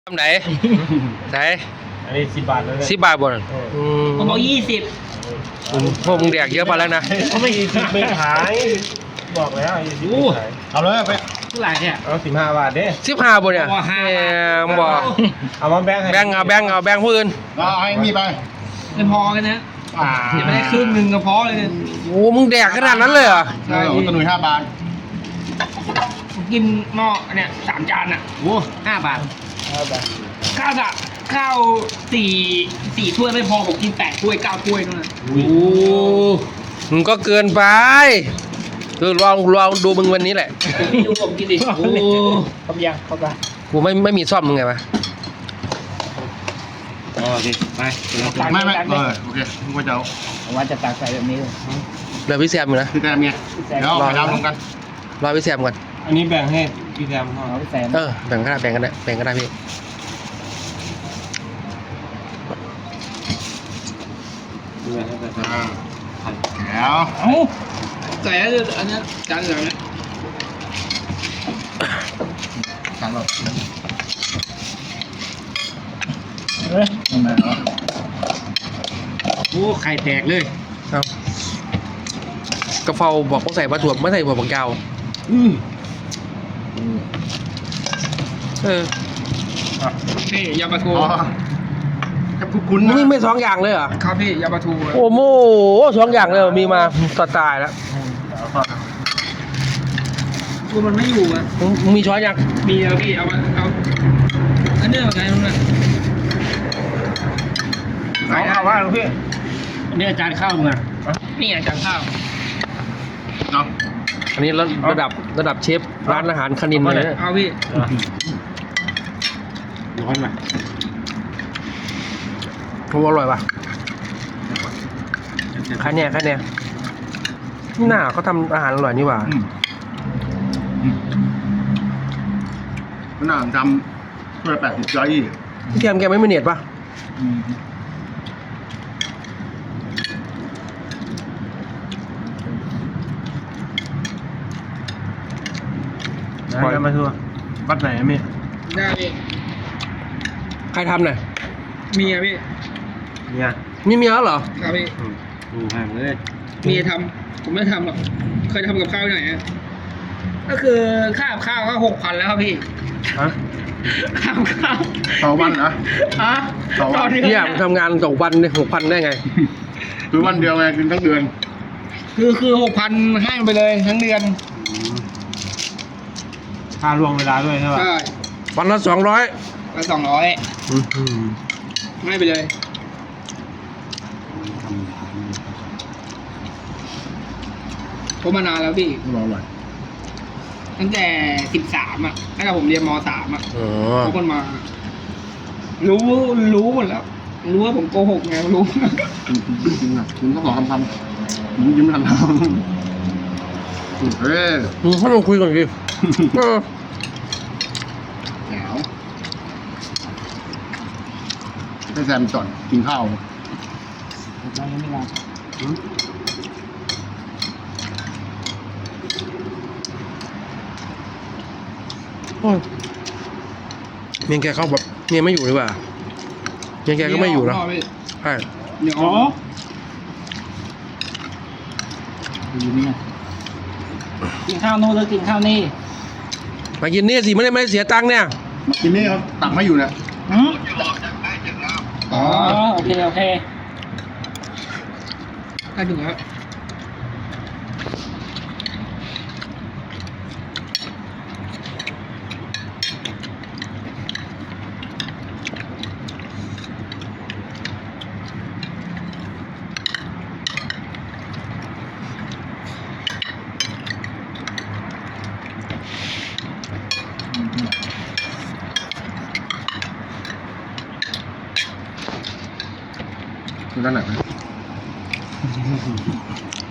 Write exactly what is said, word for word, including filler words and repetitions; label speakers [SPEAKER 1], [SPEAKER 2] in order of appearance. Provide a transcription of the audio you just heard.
[SPEAKER 1] ทำไหนไหน
[SPEAKER 2] อันนี้สิบบาทเลย
[SPEAKER 1] สิบบาทบน
[SPEAKER 3] ผมบอกยี่สิบ
[SPEAKER 1] พวกมึงแดกเยอะไปแล้วนะ
[SPEAKER 2] เขาไม่ยี่สิบไม่ขายบอกแล้วยี่สิบไม่ขาย
[SPEAKER 4] เอาเลยไป
[SPEAKER 3] เท่าไหร่เนี่ย
[SPEAKER 2] เอาสิบห้าบาทเด้
[SPEAKER 1] สิบห้าบนเนี่ยบอก
[SPEAKER 2] เอามาแบ่ง
[SPEAKER 1] แบ่งเอาแบ่งเอาแบ่งผู้อื่น
[SPEAKER 4] เอาไอ้นี่ไป
[SPEAKER 3] ไม่พอกันนะเดี๋ยวไม่ได้ครึ่งหนึ่งก็พอเลย
[SPEAKER 1] โอ้มึงแดกขนาดนั้นเลยเหรอ
[SPEAKER 4] ใช่ตะหนุ่ยห้าบาท
[SPEAKER 3] กินหม้อเนี่ยสามจานอ่ะโอ้ห้าบาท
[SPEAKER 2] ห้าบาท
[SPEAKER 3] ข้าวอะข้าวสี่สี่ถ้วยไม่พอผมกินแปดถ้วยเก้าถ้วยนั่นแหละ
[SPEAKER 1] โอ้มึงก็เกินไปคือลองลองดูมึงวันนี้แหละ
[SPEAKER 3] ดูผมกินดิโอ้
[SPEAKER 2] ครบยังครบละ
[SPEAKER 1] กูไม่ไม่มีซ่อมมึงไงวะ
[SPEAKER 3] โอเคไป
[SPEAKER 4] ไม่ไม่เออโอเคมึงก็จะเอา
[SPEAKER 3] ว่าจะตักใส่แบบนี้เลย
[SPEAKER 1] เดี๋ยวพี่แซมอยู่นะ
[SPEAKER 4] พี่แซมไงเดี๋ยวไปดาวลงกัน
[SPEAKER 1] รอพี่แซมก่อน
[SPEAKER 2] อันนี้แบ่งให้พี่แซม
[SPEAKER 3] เอาพี่แซม
[SPEAKER 1] เออแบ่งกันได้แบ่งกันได้แบ่งกันได้พี่
[SPEAKER 4] แล้ว
[SPEAKER 3] เอ้าใส่อันนี้จานเหลืองเนี่ย
[SPEAKER 4] จานหลอด
[SPEAKER 3] เฮ้ยโอ้ไข่แตกเลย
[SPEAKER 1] เอากระเพราบอกต้องใส่ปลาถั่วไม่ใส่หัวผักยาว
[SPEAKER 3] อืม
[SPEAKER 1] เออ
[SPEAKER 3] นี่ยาปลาทู
[SPEAKER 4] จะคุ้นคุ้น
[SPEAKER 1] มึงไม่สองอย่างเลยเหรอ
[SPEAKER 3] ครับพี่ยาปลาทู
[SPEAKER 1] โอ้โหสองอย่างเลยมีมาต่อตายแล้ว
[SPEAKER 3] กูมันไม่อยู่อ่ะ
[SPEAKER 1] มึงมีช้อนยัง
[SPEAKER 3] มีแล้วพี่เอาเอาอันนี้เอาไงตรงนั้น
[SPEAKER 2] เอาเอาว่าพี่
[SPEAKER 3] อันนี้อาจารย์ข้าวมึงอ่ะนี่อาจารย์ข้าว
[SPEAKER 4] เนาะ
[SPEAKER 1] อันนี้ระดับระดับเชฟร้านอาหารคณินเลย
[SPEAKER 3] เอาพี่
[SPEAKER 1] ร้อนไหมโอ้อร่อยป่ะใครเนี่ยใครเนี่ยหน้าเขาทำอาหารอร่อยนี่หว่า
[SPEAKER 4] มันน่าจำเพื่อแปดสิบร้อยยี่
[SPEAKER 1] พี่แกมแกไม่มีเน็ตป่ะ
[SPEAKER 2] ปล่อยมาทัวร์วัดไหนมี
[SPEAKER 3] ได้พี่
[SPEAKER 1] ใครทำเนี่ย
[SPEAKER 3] เมียพี่
[SPEAKER 2] เมีย
[SPEAKER 1] มีเมียแล้วเหรอ
[SPEAKER 3] ครับพี่
[SPEAKER 2] ดูห่างเลย
[SPEAKER 3] เมียทำผมไม่ทำหรอกเคยทำกับข้าวที่ไหนก็คือค่าข้าวก็หกพันแล้วครับพี่
[SPEAKER 2] ฮะ
[SPEAKER 3] ข้าวข้าว
[SPEAKER 4] ต่อวันนะ
[SPEAKER 3] อ่ะ
[SPEAKER 4] ต่อวัน
[SPEAKER 1] เนี่ยทำงานต่อวันเนี่ยหกพันได้ไง
[SPEAKER 4] คือวันเดียวไงกินทั้งเดือน
[SPEAKER 3] คือคือหกพันให้ไปเลยทั้งเดือน
[SPEAKER 2] ค่าล่วงเวลาด้วยใช่ป่ะ
[SPEAKER 3] ใช่
[SPEAKER 1] วันละสองร้อย
[SPEAKER 3] วันสองร้อยให้ไปเลยผมมานานแล้วพี่
[SPEAKER 4] รอหน่อย
[SPEAKER 3] ตั้งแต่สิบสามอ่ะตั้งแต่ผมเรียนมสามอ่ะเขาคนมารู้รู้หมดแล้วรู้ว่าผมโกหกไงรู้
[SPEAKER 4] จริงอ่ะคุณต้องบอกคำคำมึงยิ้มทันทำเฮ้ย
[SPEAKER 1] มึงให้เราคุยก่อนดิ
[SPEAKER 4] แหวให้แซมจอดกินข้าว
[SPEAKER 3] ยังไม่ลา
[SPEAKER 1] เมียแกเขาแบบเมียไม่อยู่หรือเปล่าเมียแกก็ไม่อยู่แล้วใช่
[SPEAKER 3] เดี๋ยวอยู่นี่กินข้าวโน้นหรือกินข้าวนี่
[SPEAKER 1] มากินนี่สิไม่ได้ไม่ได้เสียตังค์เนี่ย
[SPEAKER 4] มากินนี่เขาตักไม่อยู่เนี่ย
[SPEAKER 3] อ๋อโอเคโอเคถ้าถึงแล้ว
[SPEAKER 4] คือด้านไหน